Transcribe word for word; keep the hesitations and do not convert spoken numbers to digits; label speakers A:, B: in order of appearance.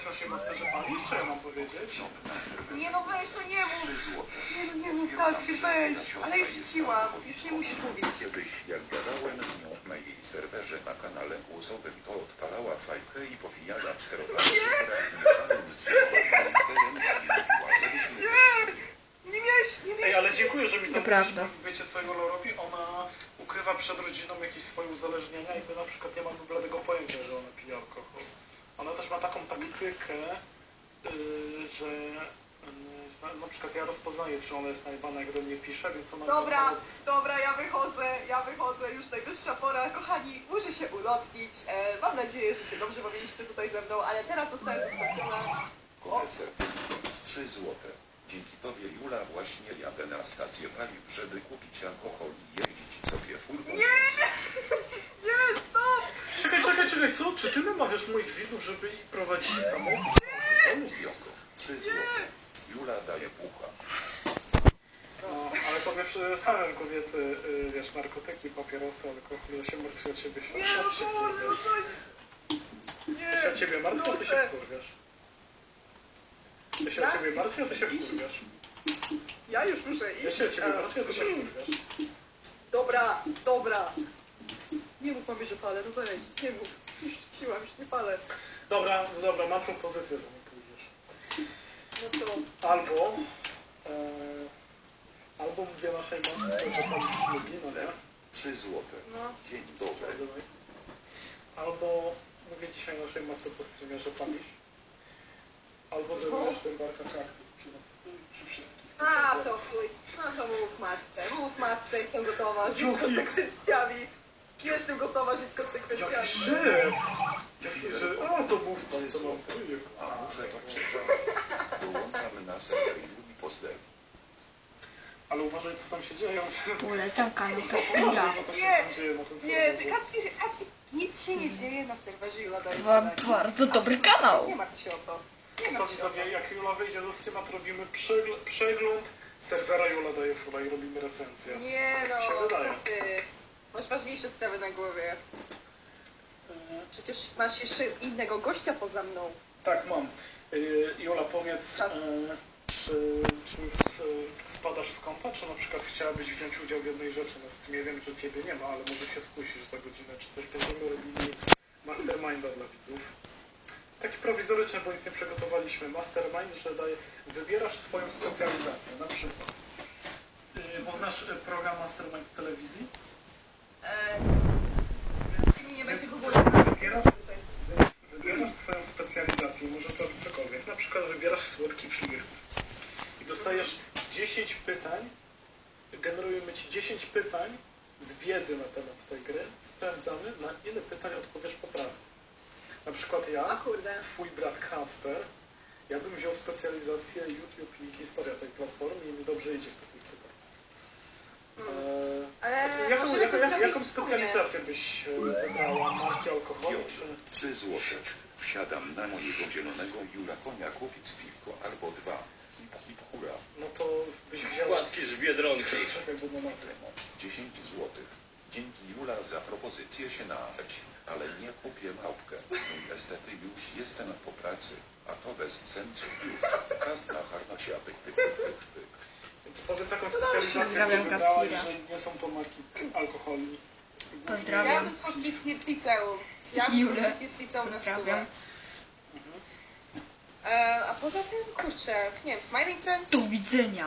A: naszej matce, że palisz? Co ja mam powiedzieć?
B: Nie no weź, no nie mów. Nie no nie mów, Kacper, weź. Ale już chciłam, już nie musisz mówić.
C: Kiedyś jak gadałem z nią na jej serwerze na kanale głosowym, to odpalała fajkę i powijała czterolatki wraz z mieszanym z zielonym monsterem i mówiła, żebyśmy...
B: Nie miałeś, nie miałeś.
A: Ej, ale dziękuję, że mi to
D: Prawda.
A: mówisz, bo wiecie co Jola robi? Ona ukrywa przed rodziną jakieś swoje uzależnienia i my na przykład nie mamy bladego pojęcia, że ona pije alkohol. Ona też ma taką taktykę, yy, że yy, na, na przykład ja rozpoznaję, czy ona jest najebana, jak do mnie pisze, więc ona...
B: Dobra, dobra, ja wychodzę, ja wychodzę, już najwyższa pora. Kochani, muszę się ulotnić. E, mam nadzieję, że się dobrze bawiliście tutaj ze mną, ale teraz zostałem zostawiona.
C: Koneser. trzy złote. Dzięki tobie, Jula, właśnie jadę na stację paliw, żeby kupić alkohol i jeździć sobie furką.
B: Nie! Nie, stop!
A: Czekaj, czekaj, czekaj, co? Czy ty namawiasz moich widzów, żeby prowadzili samochód?
C: Joko. trzy złote. Jula daje pucha.
A: No, ale to wiesz, y, same kobiety, y, wiesz, narkotyki, papierosy, alkohol, ja się martwię o ciebie.
B: Nie,
A: Sam
B: no
A: się
B: Boże,
A: wkurwiasz.
B: coś...
A: Ja się o
B: Nie!
A: ciebie martwię, a ty się
B: Proszę.
A: wkurwiasz. Ja się o ciebie martwię, a ty się wkurwiasz.
B: Ja już muszę iść.
A: Ja się o ciebie
B: A,
A: martwię, a ty się wkurwiasz.
B: Dobra, dobra. Nie mów mamie, że palę, no weź, nie mów. Już chciłam, już nie palę.
A: Dobra, dobra, mam propozycję, zanim pójdziesz.
B: No to...
A: Albo... E, albo mówię naszej matce, że pani lubi, no nie?
C: trzy złote.
B: No.
C: Dzień dobry.
A: Albo mówię dzisiaj naszej matce po streamie, że palisz. Albo zrobisz ten barka kaktus przy, przy wszystkich.
B: A, to chuj. No to mów matce, mów matce, jestem gotowa żyć z konsekwencjami. Jestem gotowa żyć z konsekwencjami.
A: Jaki szef! Jaki szef! A, to mów pan, co mam trójek.
C: A muszę to przeczytać. Dołączamy na serwer Juli Pozdrowi.
A: Ale uważaj, co tam się dzieje.
D: Polecam kanał
A: Uważaj,
D: Kacpira.
A: co tam się
B: Nie,
A: tam dzieje na tym
B: Nie,
A: serwerze.
B: Kacpir, Kacpir, nic się nie dzieje na serwerze Jula daje.
D: Ba- Bardzo dobry kanał.
B: Nie martw się o to. Nie
A: Co
B: martw się o to.
A: widzowie, jak Jula wyjdzie ze streama, to robimy przegl- przegląd serwera Jula daje fura i robimy recenzję.
B: Nie
A: Tak się
B: no,
A: wydaje.
B: co ty. Masz ważniejsze sprawy na głowie. Przecież masz jeszcze innego gościa poza mną.
A: Tak, mam. Yy, Jola, powiedz,
B: Czas.
A: yy, czy, czy już s- spadasz z kąpa, czy na przykład chciałabyś wziąć udział w jednej rzeczy na streamie? Wiem, że ciebie nie ma, ale może się skusisz za godzinę, czy coś. Będziemy robili masterminda dla widzów. Taki prowizoryczny, bo nic nie przygotowaliśmy. Mastermind, że daje, wybierasz swoją specjalizację, na przykład. Yy, bo znasz yy, program Mastermind w telewizji?
B: Eee, nie
A: Więc
B: będzie w ogóle...
A: wybierasz, więc wybierasz swoją specjalizację, możesz robić cokolwiek. Na przykład wybierasz słodki flirt i dostajesz dziesięć pytań, generujemy ci dziesięć pytań z wiedzy na temat tej gry, sprawdzamy, na ile pytań odpowiesz poprawnie. Na przykład
B: O
A: ja,
B: kurde.
A: twój brat Kacper, ja bym wziął specjalizację YouTube i historia tej platformy i mi dobrze idzie w takich pytań. Eee,
B: Ale
A: a ty jaką,
B: możemy
A: jaką,
B: to
A: jak,
B: zrobić
A: jaką
B: wspólnie.
A: specjalizację byś e, wybrała? Marki alkoholu
C: Piotr.
A: czy...
C: trzy złote. Wsiadam na mojego zielonego Jula konia kupić piwko albo dwa. Hip hip hura.
A: No to byś wzięła...
E: Płatki z Biedronki.
A: Czekaj, bo na tym.
C: dziesięć złotych. Dzięki Jula za propozycję się nabrać, ale nie kupię małpkę. Niestety już jestem po pracy, a to bez sensu już. Czas na harnacia, pyk, pyk, pyk, pyk, pyk.
A: Więc powiedz jaką
B: dobrze.
A: specjalizację
D: Pozdrawiam
A: byś wybrała,
D: Kacpira.
A: jeżeli nie są to marki alkoholi.
D: Pozdrawiam.
B: Ja bym słodki flirt liceum. Ja bym
D: Julę.
B: słodki flirt liceum na stówę.
D: Pozdrawiam.
A: Mhm.
B: E, a poza tym, kurczę, nie wiem, Smiling Friends?
D: Do widzenia.